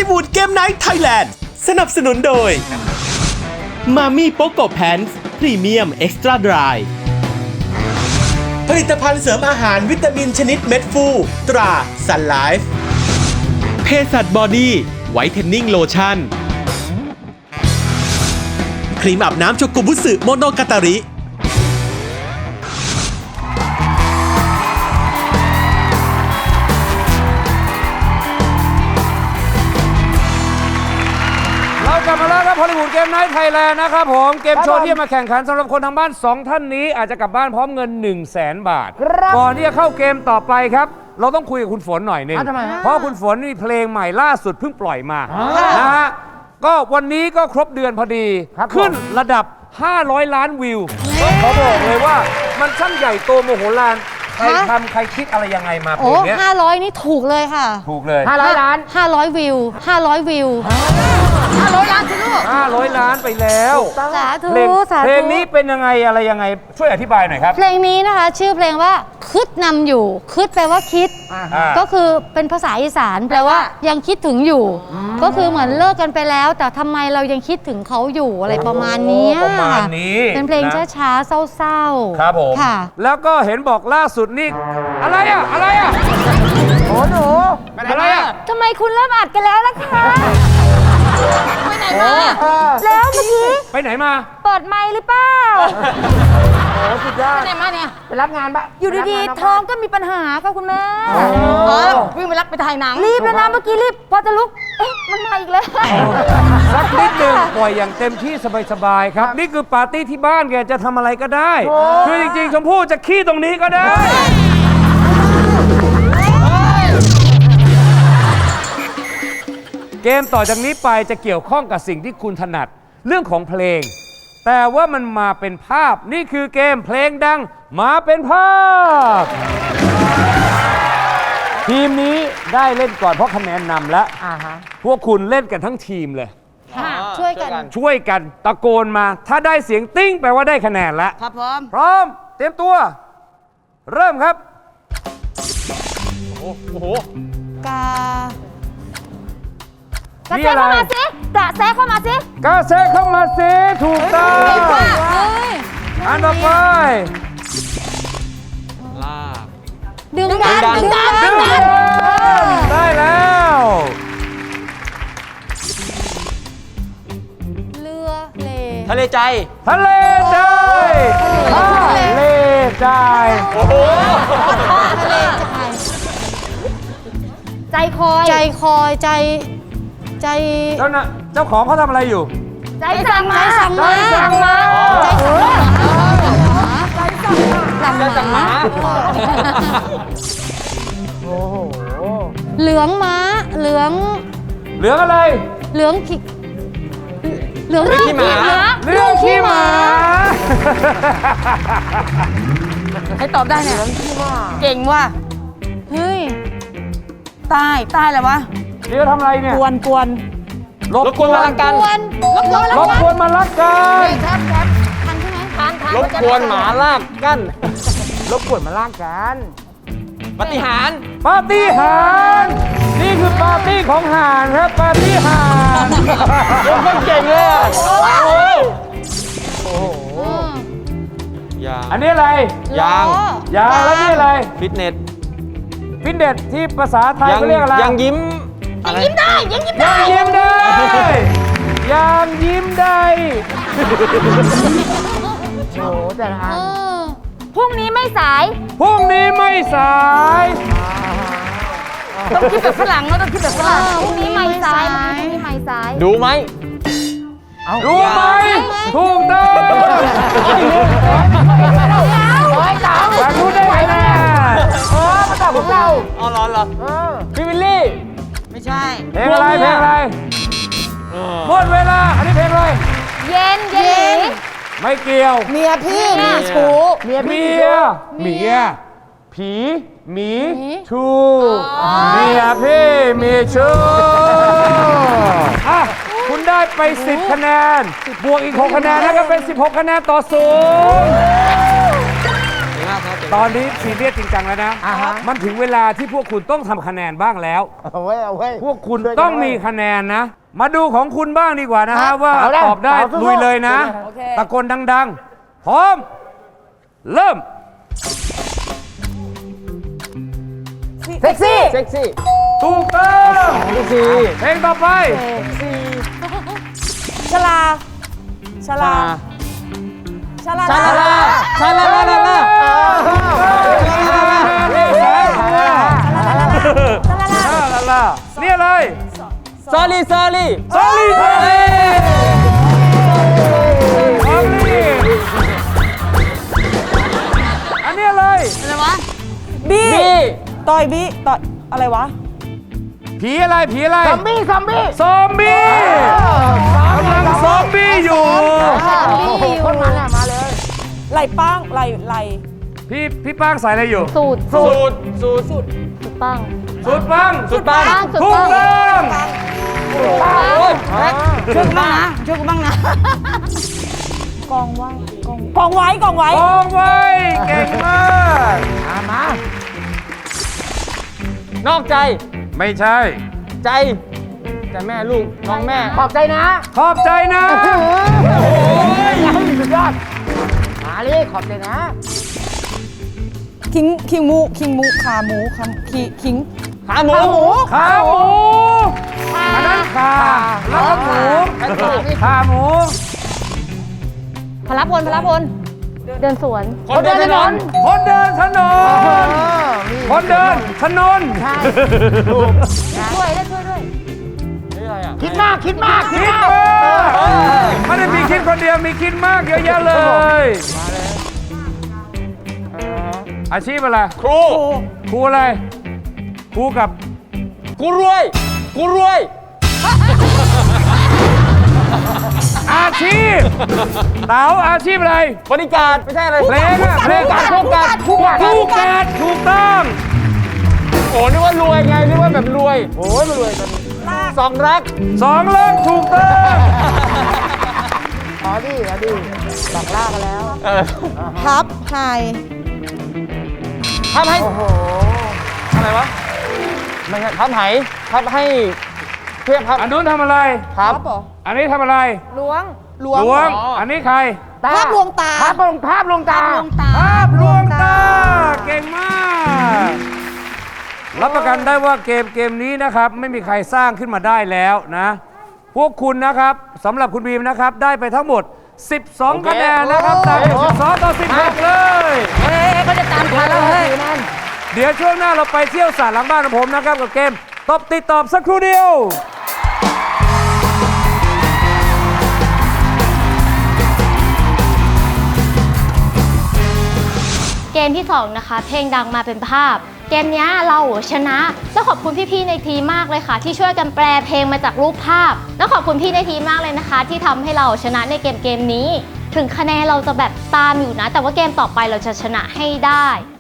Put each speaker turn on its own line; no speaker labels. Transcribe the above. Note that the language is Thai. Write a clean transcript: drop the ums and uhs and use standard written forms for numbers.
ลิวูดเกมไนท์ไทยแลนด์สนับสนุนโดยมามี่โปโกแพนส์พรีเมียมเอ็กซ์ตร้าดรายผลิตภัณฑ์เสริมอาหารวิตามินชนิดเม็ดฟูตราซันไลฟ์เภสัชบอดี้ไวท์เทนนิ่งโลชั่นครีมอาบน้ำโชกุบุสึโมโนกาตาริ
กลับมาแล้วครับฮอลลีวูดเกมไนท์ไทยแลนด์นะครับผมเกมโชว์ที่มาแข่งขันสำหรับคนทางบ้าน 2 ท่านนี้อาจจะกลับบ้านพร้อมเงิน 100,000 บาทก่อนที่จะเข้าเกมต่อไปครับเราต้องคุยกับคุณฝนหน่อยนึงเพราะคุณฝนมีเพลงใหม่ล่าสุดเพิ่งปล่อยมานะฮะก็วันนี้ก็ครบเดือนพอดีขึ้นระดับ500 ล้านวิวขอบอกเลยว่ามันช่างใหญ่โตโมโหลานใครทำใครคิดอะไรยังไงมาเพลงนี้
500 นี่ถูกเลยค่ะ
ถูกเลย
500 ล้าน500 วิว500 วิว500 ล้านสิลูก
500 ล้านไปแล้ว
สาธุสาธุ
เพลงนี้เป็นยังไงอะไรยังไงช่วยอธิบายหน่อยครับ
เพลงนี้นะคะชื่อเพลงว่าคิดนำอยู่คิดแปลว่าคิดก็คือเป็นภาษาอีสานแปลว่ายังคิดถึงอยู่ก็คือเหมือนเลิกกันไปแล้วแต่ทำไมเรายังคิดถึงเขาอยู่อะไรประมาณนี้เป็นเพลงช้าๆเศร้าๆ
ครับผม
ค่ะ
แล้วก็เห็นบอกล่าสุดนี่อะไรอ่ะโอ้หนูอะไรอ่ะ
ทำไมคุณเริ่มอัดกันแล้วล่ะคะไปไหนมาแล้วเมื่อกี้
ไปไหนมา
เปิดไมค์หรือเปล่า
โอ้สุดยอด
ไปไหนมาเนี่ยไปรับงานปะอยู่ดีๆท้องก็มีปัญหาค่ะคุณแม่วิ่งไปรับไปถ่ายหนังรีบแล้วนะเมื่อกี้รีบพอจะลุกเอ๊ะมันมาอีกแล้ว
สักนิดหนึ่งปล่อยอย่างเต็มที่สบายๆครับนี่คือปาร์ตี้ที่บ้านแกจะทำอะไรก็ได้คือจริงๆชมพู่จะขี้ตรงนี้ก็ได้เกมต่อจากนี้ไปจะเกี่ยวข้องกับสิ่งที่คุณถนัดเรื่องของเพลงแต่ว่ามันมาเป็นภาพนี่คือเกมเพลงดังมาเป็นภาพทีมนี้ได้เล่นก่อนเพราะคะแนนนำแล้วพวกคุณเล่นกันทั้งทีมเลย
ช่วยกัน
ตะโกนมาถ้าได้เสียงติ้งแปลว่าได้คะแนนแล้ว
ครับ
พร้อมเตรียมตัวเริ่มครับโอ้โห
กระแซะเข้ามาสิกระแซะเข้ามาสิ
กระแซะเข้ามาสิถูกต้องอันต่อไป
ลากดึงดัน
ได้แล้ว
เรือเล
ทะเลใจ
โอ้โห
ทะเลใจใจคอย
เจ้าของเขาทำอะไรอยู่
ใจสั่งมาโอ้โหเหลืองม้าเหลือง
อะไร
เหลืองขี้หมาให้ตอบได้เนี่ยเก่งว่ะเฮ้ยใต้อะไรวะ
เดี๋ยวทำอะไรเนี่ย
กวน
รบกวนมารักกัน
รบกวนมารักกัน
ทันใช่ไหมทัน
รบกวนหมาลากกัน
รบกวนมาลากกัน
ปาฏิหาริย์
นี่คือปาร์ตี้ของห่านครับปาร์ตี้ห่าน
คนเก่งเลย
โอ้โหอันนี้อะไร
ยาง
แล้วนี่อะไร
ฟิตเนส
ที่ภาษาไทยเขาเรียกอะไร
ยังยิ้ม
ได้
ยังยิ้มได้
โอ้แต่ละอันพรุ่งนี้ไม่สาย
ต้อง
คิดแบบฝรั่งต้องคิดแบบฝรั่งพรุ่งนี้ไม่สาย
ดูไหม
ถูกต้องแต่รู้ได้ไงนะมาตอบของเรา
อ๋อเหรอพี่วิลลี่
ไม่ใช่
เพลงอะไรหมดเวลาอันนี้เพลงอะไร
เย็น
ไม่เกี่ยว
เมียพี่มีชู้
เมียผีหมีชูเมียพี่มีชูคุณได้ไป10 คะแนนบวกอีก6 คะแนนแล้วก็เป็น16 คะแนนต่อ0 ตอนนี้ซีเรียสจริงจังแล้วนะ มันถึงเวลาที่พวกคุณต้องทำคะแนนบ้างแล้ว
เอาไว้
พวกคุณต้องมีคะแนนนะ มาดูของคุณบ้างดีกว่านะฮะว่า
เอาได้
ตอบได้
เอาสู้ๆ
ลุยเลยนะ
โอเค
ตะโกนดังๆ พร้อม เริ่ม
เซ็กซี่
เซ็กซี่
ถูกต้อง
เซ็กซี่
เพลงต่อไป
ชลาชลาชลา
ชาลาลาชาลาลาลาลา
นี่อะไร
ซอรี่ซอรี่
ซอรี่ซอรี่ซอรี่อันนี้อะไร
อะไรวะ
บี้
บี้
ต่อยบี้ต่อยอะไรวะ
ผีอะไร ผีอะไร
ซอมบี้
ซอมบี้กำลังซอมบี้อยู่
คนมันอะมาเลย
ไหลป้างไหล
พี่ป้างใส่อะไรอยู่
สูตร
สูตรสูตร
สูตรปัง
สุดปัง
สุดปัง
สุด
ถูก
ปัง
ต้อง
โอ้ย
ช่วยกูบ้างนะช่วยกูบ้างนะกองไว้กองไว้
กองไว้เก่งมาก
มา
นอกใจ
ไม่ใช่
ใจใจแม่ลูกน้องแม่
ขอบใจนะ
ขอบใจนะ
โอ้ยสุดยอด มาเลยขอบใจนะ
ขิงหมูขาหมูขิง
ขาหมู
ขาหมูอันนั้นขาแล้วก็หมูขาหมู
พลพลเดินสวน
คนเดินถนน
คนเดินถนนคนเดินถนน
ช่วยได้ช่วยด้วย
คิดมาก
คิดมากไม่ได้มีคิดคนเดียวมีคิดมากเยอะแยะเลย อาชีพอะไร
ครู
ครูอะไรครูกับ
กูรวยกูรวย
อาชีพเต๋าอาชีพอะไร
บริการไม่ใช่อะไร
เพลงอะเพลง
คู่กัด
คู่กัดถูกต้อง
โอ้นึกว่ารวยไงนึกว่าแบบรวยโอ้ยไม่รวยตอนนี้สองรัก
สองเรื่องถูกต้อง
เอาดิหลอกล่ากันแล้ว
พับไฮ
ทำให้อะไรวะไม่ใช่ทำให้ทำให้เพื่อพับ
อันนู้นทำอะไร
ครับ
เหรอ
อันนี้ทำอะไร
ล้วง
หลวงอันนี้ใคร
ภาพลวงตา
ภาพลงตา
ภาพลวงตาเก่งมากรับประกันได้ว่าเกมนี้นะครับไม่มีใครสร้างขึ้นมาได้แล้วนะ พวกคุณนะครับสำหรับคุณบีมนะครับได้ไปทั้งหมด 12 คะแนนนะครับตามอยู่12 ต่อ 16 เลย
เฮ้ยเขาจะตามทันแล้วเฮ้ย
เดี๋ยวช่วงหน้าเราไปเที่ยวสระหลังบ้านของผมนะครับกับเกมตอบติดตอบสักครู่เดียว
เกมที่ 2 นะคะ เพลงดังมาเป็นภาพ เกมนี้เราชนะแล้วขอบคุณพี่ๆในทีมมากเลยค่ะ ที่ช่วยกันแปลเพลงมาจากรูปภาพ แล้วขอบคุณพี่ในทีมมากเลยนะคะ ที่ทำให้เราชนะในเกมนี้ ถึงคะแนนเราจะแบบตามอยู่นะ แต่ว่าเกมต่อไปเราจะชนะให้ได้